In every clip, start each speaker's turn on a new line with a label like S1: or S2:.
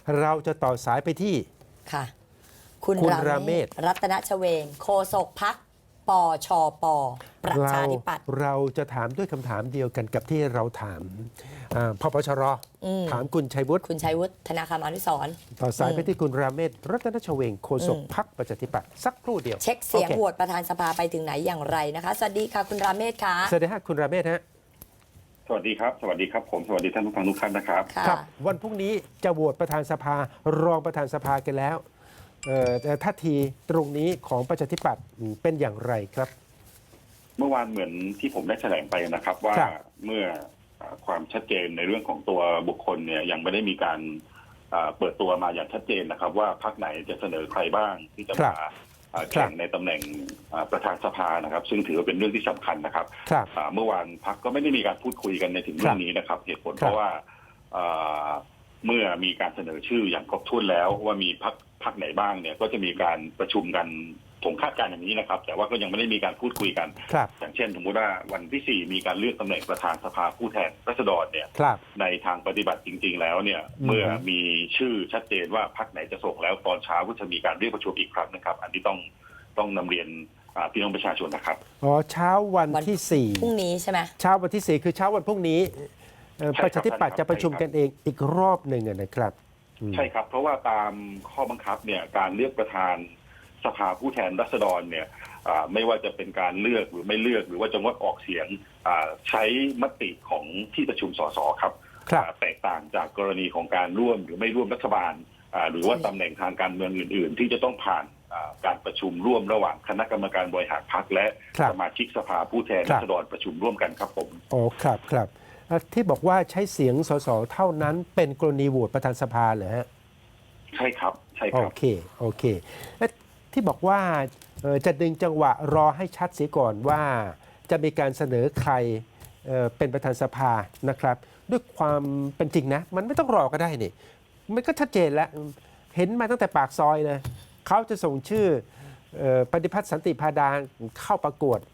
S1: เราจะต่อสายไปที่
S2: ค่ะ คุณ
S1: คุณ
S2: รา
S1: รา
S2: เม
S1: เม
S2: ศ
S1: ศ
S2: รัตนชเวงโฆษกพรรคปชปประชาธิปัตย์
S1: เราจะถามด้วยคำถามเดียวกันกับที่เราถามพปชรถามคุณชัยวุฒิ
S2: คุณชัยวุฒิธนาคารอนุสรณ์
S1: ต่อสายไปที่คุณราเมศรัตนชเวงโฆษกพรรคประชาธิปัตย์สักครู่เดียว
S2: เช็คเสียง
S1: โอ
S2: โหวตประธานสภาไปถึงไหนอย่างไรนะคะ สวัสดีค่ะคุณราเมศค่ะ
S1: สวัสดีครับคุณราเมศฮะ
S3: สวัสดีครับ สวัสดีครับผมสวัสดีท่านผู้ฟังทุกท่านนะครับ
S2: ค่ะ
S1: ครับวันพรุ่งนี้จะโหวตประธานสภารองประธานสภากันแล้วแต่ท่าทีตรงนี้ของประชาธิปัตย์เป็นอย่างไรครับ
S3: เมื่อวานเหมือนที่ผมได้แถลงไปนะครับ ว่า
S1: ครับ
S3: เมื่อความชัดเจนในเรื่องของตัวบุคคลเนี่ยยังไม่ได้มีการเปิดตัวมาอย่างชัดเจนนะครับ ว่าพรรคไหนจะเสนอใครบ้างที่จะมาแข่งในตำแหน่งประธานสภานะครับ ซึ่งถือว่าเป็นเรื่องที่สำคัญนะครับ
S1: ครับ
S3: เมื่อวานพรรคก็ไม่ได้มีการพูดคุยกันในถึงเรื่องนี้นะครับ เหตุผลเพราะว่าเมื่อมีการเสนอชื่ออย่างครบถ้วนแล้วว่ามีพรรคไหนบ้างเนี่ยก็จะมีการประชุมกันผมคาดการณ์อย่างนี้นะครับ แต่ว่าก็ยังไม่ได้มีการพูดคุยกัน
S1: ครับ
S3: อย่างเช่นสมมติว่าวันที่ 4 มีการเลือกตำแหน่งประธานสภาผู้แทนราษฎรเนี่ย
S1: ครับ
S3: ในทางปฏิบัติจริง ๆ แล้วเนี่ยเมื่อมีชื่อชัดเจนว่าพรรคไหนจะส่งแล้วตอนเช้าก็จะมีการเรียกประชุมอีกครั้งนะครับ อันนี้ต้องนำเรียนพี่น้องประชาชนนะครับ
S1: อ๋อเช้าวันที่สี่
S2: พรุ่งนี้ใช่ไหม
S1: เช้าวันที่ 4 คือเช้าวันพรุ่งนี้
S3: ใช่ครับ
S1: ประชาธิปัตย์
S3: ใช่ครับ
S1: จะประชุมกันเองอีกรอบหนึ่งนะครับ
S3: ใช่ครับ เพราะว่าตามข้อบังคับเนี่ยการเลือกประธานสภาผู้แทนราษฎรเนี่ยไม่ว่าจะเป็นการเลือกหรือไม่เลือกหรือว่าจะงดออกเสียงใช้มติของที่ประชุมสสครับ
S1: ครับ
S3: แตกต่างจากกรณีของการร่วมหรือไม่ร่วมรัฐบาลหรือว่าตำแหน่งทางการเมืองอื่น ๆ ที่จะต้องผ่านการประชุมร่วมระหว่างคณะกรรมการบริหารพรรคและ
S1: ครับ
S3: สมาชิกสภาผู้แทน
S1: ครั
S3: รา
S1: บ
S3: ษฎรประชุมร่วมกันครับผม
S1: อ๋อครับครับที่บอกว่าใช้เสียงสสเท่านั้นเป็นกรณีโหวตประธานสภาเหรอฮะ
S3: ใช่ครับใช่ค
S1: โอ
S3: รับ
S1: เคโอเคและที่บอกว่าจะดึงจังหวะรอให้ชัดเสียก่อนว่าจะมีการเสนอใครเป็นประธานสภานะครับ ด้วยความเป็นจริงนะ มันไม่ต้องรอก็ได้นี่มันก็ชัดเจนแล้วเห็นมาตั้งแต่ปากซอยเลยเขาจะส่งชื่อปฏิพัฒน์สันติพาดาเข้าประกวด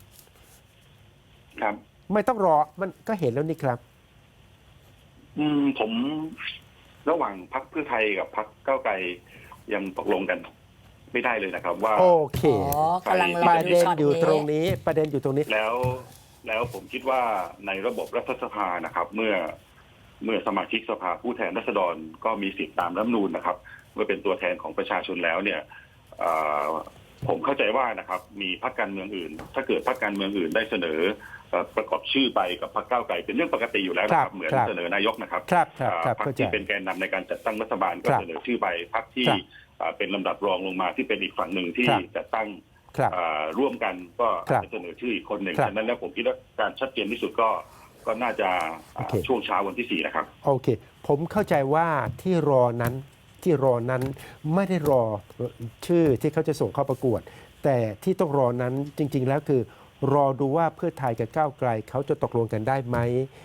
S3: ครับ
S1: ไม่ต้องรอมันก็เห็นแล้วนี่ครับ
S3: ผมระหว่างพรรคเพื่อไทยกับพรรคก้าวไกลยังตกลงกันไม่ได้เลยนะครับ ว่า
S1: โอเค
S2: อ๋อกำลังร
S1: ป
S2: อ
S1: ระ
S2: ดู
S1: เด็น
S2: ช็อต
S1: อยู่ตรง
S2: นี้
S1: นี้ประเด็นอยู่ตรงนี้
S3: แล้วผมคิดว่าในระบบรัฐสภานะครับ เมื่อสมาชิกสภาผู้แทนราษฎรก็มีสิทธิตามรัฐธรรมนูญนะครับเมื่อเป็นตัวแทนของประชาชนแล้วเนี่ยผมเข้าใจว่านะครับมีพรรคการเมืองอื่น ถ้าเกิดพรรคการเมืองอื่นได้เสนอประกอบชื่อไปกับพรรคก้าวไกลเป็นเรื่องปกติอยู่แล้วนะค
S1: ครั
S3: รั
S1: บบ
S3: เหมือน
S1: ครับ
S3: เสนอนายกนะครับ
S1: ครับครับ
S3: พรรค
S1: เข้าใจ
S3: ที่เป็นแกนนำในการจัดตั้งรัฐบาลก็
S1: ครับ
S3: เสนอชื่อไปพรรคที่
S1: ครับ
S3: เป็นลำดับรองลงมาที่เป็นอีกฝั่งหนึ่งที่
S1: ครับ
S3: จัดตั้ง
S1: ครับ
S3: ร่วมกันก็
S1: ครับ
S3: จะเสนอชื่ออีกคนหนึ่ง
S1: ครับ
S3: ฉะนั้นแล้วผมคิดว่าการชัดเจนที่สุดก็น่าจะ
S1: โอเค
S3: ช่วงเช้าวันที่ 4 นะครับ
S1: โอเค ผมเข้าใจว่าที่รอนั้นไม่ได้รอชื่อที่เขาจะส่งเข้าประกวด แต่ที่ต้องรอนั้นจริง ๆ แล้วคือ รอดูว่าเพื่อไทยกับก้าวไกลเขาจะตกลงกันได้ไหม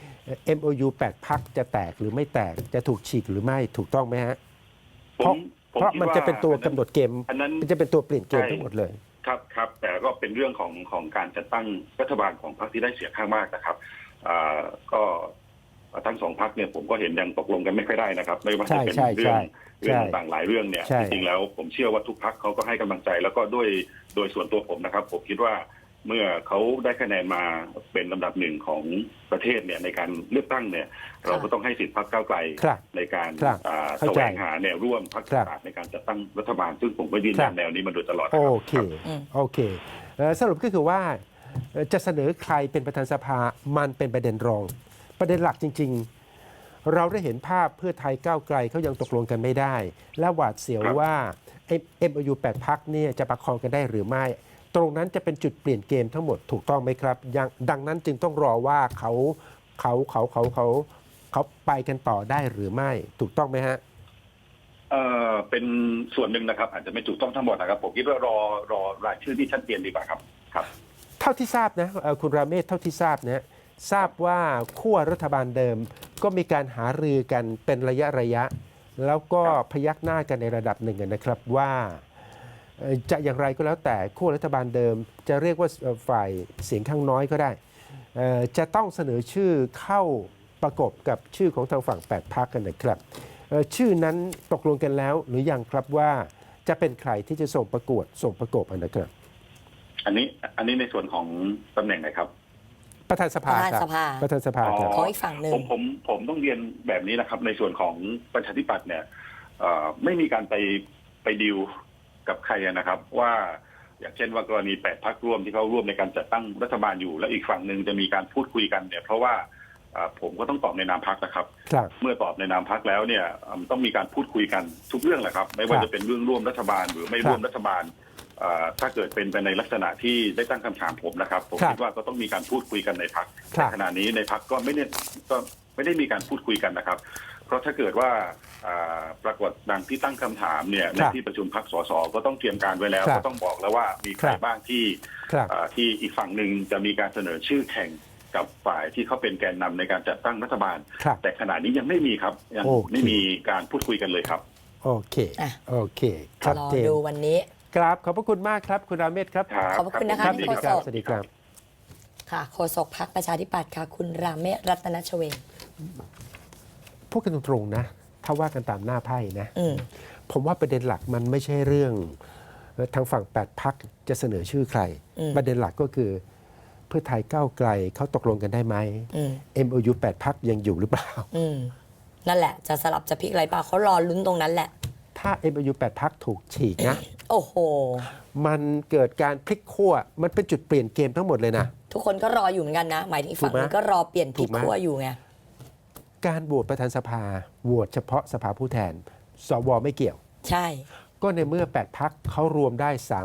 S1: MOU 8 พักจะแตกหรือไม่แตกจะถูกฉีกหรือไม่ถูกต้องไหมฮะ เพราะมันจะเป็นตัวกำหนดเกม
S3: อันนั้น
S1: มันจะเป็นตัวเปลี่ยนเกมทั้งหมดเลย
S3: ครับแต่ก็เป็นเรื่องของการจัดตั้งรัฐบาลของพรรคที่ได้เสียงข้างมากนะครับก็ทั้งสองพรรคเนี่ยผมก็เห็นยังตกลงกันไม่ค่อยได้นะครับ ไม่ว่าจะเป็น
S1: ใช่
S3: เรื่อง
S1: ใช่
S3: ต่างๆหลายเรื่องเนี่ย
S1: ใช่
S3: จริงๆแล้วผมเชื่อว่าทุกพรรคเขาก็ให้กำลังใจ แล้วก็โดยส่วนตัวผมนะครับ ผมคิดว่าเมื่อเขาได้คะแนนมาเป็นลำดับหนึ่งของประเทศเนี่ยในการเลือกตั้งเนี่ย เราก็ต้องให้สิทธิพรรคก้าวไกล
S1: ครับ
S3: ในการ
S1: ครับ
S3: แส
S1: เข้าใจ
S3: วงหาแนวร่วมพรรค
S1: ครับ
S3: ต่างๆในการจัดตั้งรัฐบาล ซึ่งผมก็ยืน
S1: ครั
S3: ยั
S1: บ
S3: นแนวนี้มาโดยตลอดนะ
S1: โอ
S3: ครับ
S1: เคโอเคสรุปก็คือว่าจะเสนอใครเป็นประธานสภามันเป็นประเด็นรอง ประเด็นหลักจริง ๆ เราได้เห็นภาพเพื่อไทยก้าวไกลเขายังตกลงกันไม่ได้ และหวาดเสียว
S3: ครับ
S1: ว่า MOU 8 พักเนี่ยจะประคองกันได้หรือไม่ ตรงนั้นจะเป็นจุดเปลี่ยนเกมทั้งหมดถูกต้องไหมครับยังดังนั้นจึงต้องรอว่าเขาไปกันต่อได้หรือไม่ถูกต้องไหมฮะ
S3: เป็นส่วนหนึ่งนะครับ อาจจะไม่ถูกต้องทั้งหมดนะครับ ผมคิดว่ารอรายชื่อที่ชัดเจนดีกว่าครับครับ
S1: เท่าที่ทราบนะคุณราเมศเท่าที่ทราบนะทราบว่าขั้วรัฐบาลเดิมก็มีการหารือกันเป็นระยะ แล้วก็พยักหน้ากันในระดับหนึ่งนะครับว่าจะอย่างไรก็แล้วแต่ขั้วรัฐบาลเดิม จะเรียกว่าฝ่ายเสียงข้างน้อยก็ได้จะต้องเสนอชื่อเข้าประกบกับชื่อของทางฝั่ง8 พรรคกันนะครับชื่อนั้นตกลงกันแล้วหรือยังครับว่าจะเป็นใครที่จะส่งประกวดส่งประกบนะครับ
S3: อันนี้ในส่วนของตำแหน่งไหนครับ
S1: ประธานสภาครับ ประธานสภาครับ
S2: ขออีกฝั่งหนึ่ง
S3: ผมต้องเรียนแบบนี้นะครับ ในส่วนของประชาธิปัตย์เนี่ยไม่มีการไปดีลกับใครนะครับ ว่าอย่างเช่นว่ากรณี8 พรรคร่วมที่เขาร่วมในการจัดตั้งรัฐบาลอยู่ แล้วอีกฝั่งหนึ่งจะมีการพูดคุยกันเนี่ยเพราะว่าผมก็ต้องตอบในนามพรรคนะครับ
S1: ครับ
S3: เมื่อตอบในนามพรรคแล้วเนี่ยต้องมีการพูดคุยกันทุกเรื่องแหละครับ ไม่ว่าจะเป็นเรื่องร่วมรัฐบาลหรือไม่ร่วมรัฐบาลถ้าเกิดเป็นไปในลักษณะที่ได้ตั้งคำถามผมนะครับผมคิดว่าก็ต้องมีการพูดคุยกันในพรรคแต่ขณะนี้ในพรรคก็ไม่ได้มีการพูดคุยกันนะครับ เพราะถ้าเกิดว่าปรากฏดังที่ตั้งคำถามเนี่ยในที่ประชุมพรรคสสก็ต้องเตรียมการไว้แล้วก็ต้องบอกแล้วว่ามีใครบ้างที่อีกฝั่งหนึ่งจะมีการเสนอชื่อแข่งกับฝ่ายที่เขาเป็นแกนนำในการจัดตั้งรัฐบาล แต่ขณะนี้ยังไม่มีครับยังไม่มีการพูดคุยกันเลยครับ
S1: โอเคโอเคชัด
S2: รอ
S1: เจน
S2: ดูวันนี้
S1: ครับขอบพระคุณมากครับคุณราเมศครับ
S2: ขอบพระคุณนะคะ
S1: ครับ
S2: ที่
S1: สวัสดีครับ
S2: โฆษก
S1: สวัสดีครับ
S2: ค่ะโฆษกพรรคประชาธิปัตย์ค่ะ คุณราเมศรัตนชเวง
S1: พูดกันตรงๆนะ ถ้าว่ากันตามหน้าไพ่นะ
S2: อืม
S1: ผมว่าประเด็นหลักมันไม่ใช่เรื่องทางฝั่ง8 พรรคจะเสนอชื่อใคร ประเด็นหลักก็คือเพื่อไทยก้าวไกลเขาตกลงกันได้ไหม MOU 8 พรรคยังอยู่หรือเปล่า
S2: นั่นแหละจะสลับจะพลิกอะไรเปล่าเขารอลุ้นตรงนั้นแหละ
S1: ถ้า MOU 8 พรรคถูกฉีกนะ
S2: โอ้โห
S1: มันเกิดการพลิกขั้วมันเป็นจุดเปลี่ยนเกมทั้งหมดเลยนะ
S2: ทุกคนก็รออยู่เหมือนกันนะ หมายถึงอีกฝั่ง
S1: ถูกไหม
S2: นึงก็รอเปลี่ยนพลิก
S1: ถูกไหม
S2: ขั้วอยู่ไง
S1: การโหวตประธานสภาโหวตเฉพาะสภาผู้แทน สวไม่เกี่ยว
S2: ใช่
S1: ก็ในเมื่อ 8 พรรคเขารวมได้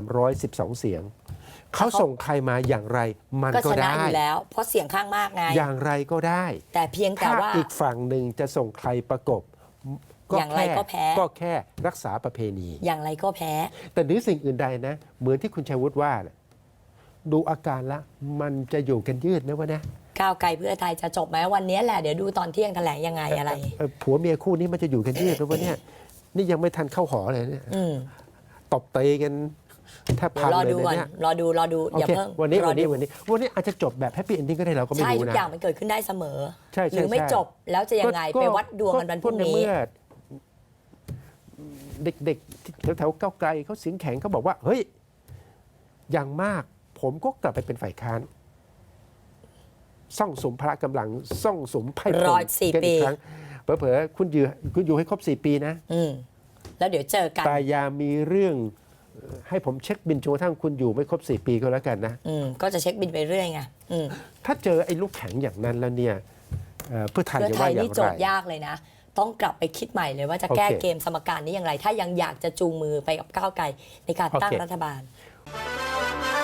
S1: 312 เสียง เขาส่งใครมาอย่างไรมัน
S2: ก็
S1: ก็
S2: ชนะ
S1: ได้
S2: อยู่แล้ว เพราะเสียงข้างมากไง
S1: อย่างไรก็ได้
S2: แต่เพียงแต่
S1: ถ้า
S2: ว่า
S1: อีกฝั่งหนึ่งจะส่งใครประกบ
S2: อย่างไรก็แพ้
S1: ก็แค่รักษาประเพณี
S2: อย่างไรก็แพ้
S1: แต่เหนือสิ่งอื่นใดนะ เหมือนที่คุณชัยวุฒิว่าแหละดูอาการละมันจะอยู่กันยืดนะวะนะ
S2: ก้าวไกลเพื่อไทยจะจบไหมวันนี้แหละเดี๋ยวดูตอนเที่ยงแถลงยังไงอะไร
S1: ผัวเมียคู่นี้มันจะอยู่กันยืดนะวะเนี่ยนี่ยังไม่ทันเข้าหอเลยเนี่ย
S2: อืม
S1: ตบเตะกันแทบพัง
S2: รอ
S1: เลย
S2: ดูก่อน
S1: นะเนี่ย
S2: รอดู
S1: โอ
S2: อย่า
S1: เค
S2: เพิ่ง
S1: วันนี้
S2: รอดู
S1: อาจจะจบแบบแฮปปี้เอนดิ้งก็ได้เราก็ไม่
S2: ใช่
S1: รู้
S2: ทุก
S1: นะ
S2: อย่างมันเกิดขึ้นได้เสมอ
S1: ใช่
S2: หรือไม่
S1: ใช่
S2: จบแล้วจะยังไงไปวัดดวงกันวันพรุ่งนี้
S1: เมื่อเด็กๆแถวๆก้าวไกลเขาเสียงแข็งเขาบอกว่า เฮ้ย อย่างมาก ผมก็กลับไปเป็นฝ่ายค้านซ่องสมพละกำลังซ่องสมไพ่พล
S2: 104
S1: กันอี
S2: ปี
S1: กครั้งเผลอๆคุณอยู่ให้ครบ 4 ปีนะ
S2: แล้วเดี๋ยวเจอกัน
S1: แต่อย่ามีเรื่องให้ผมเช็คบินจนกระทั่งคุณอยู่ไม่ครบ 4 ปีก็แล้วกันนะ
S2: ก็จะเช็คบินไปเรื่อยไง
S1: ถ้าเจอไอ้ลูกแข็งอย่างนั้นแล้วเนี่ยเพื่อไทย
S2: เพื่อ
S1: จะ
S2: ไท
S1: ว่าย อย่า
S2: นี่
S1: ง
S2: โจ
S1: ไร
S2: ทย์ยากเลยนะ ต้องกลับไปคิดใหม่เลยว่าจะแก้
S1: โอเค
S2: เกมสมการนี้อย่างไร ถ้ายังอยากจะจูงมือไปกับก้าวไกลในการตั้ง
S1: โอเค
S2: รัฐบาล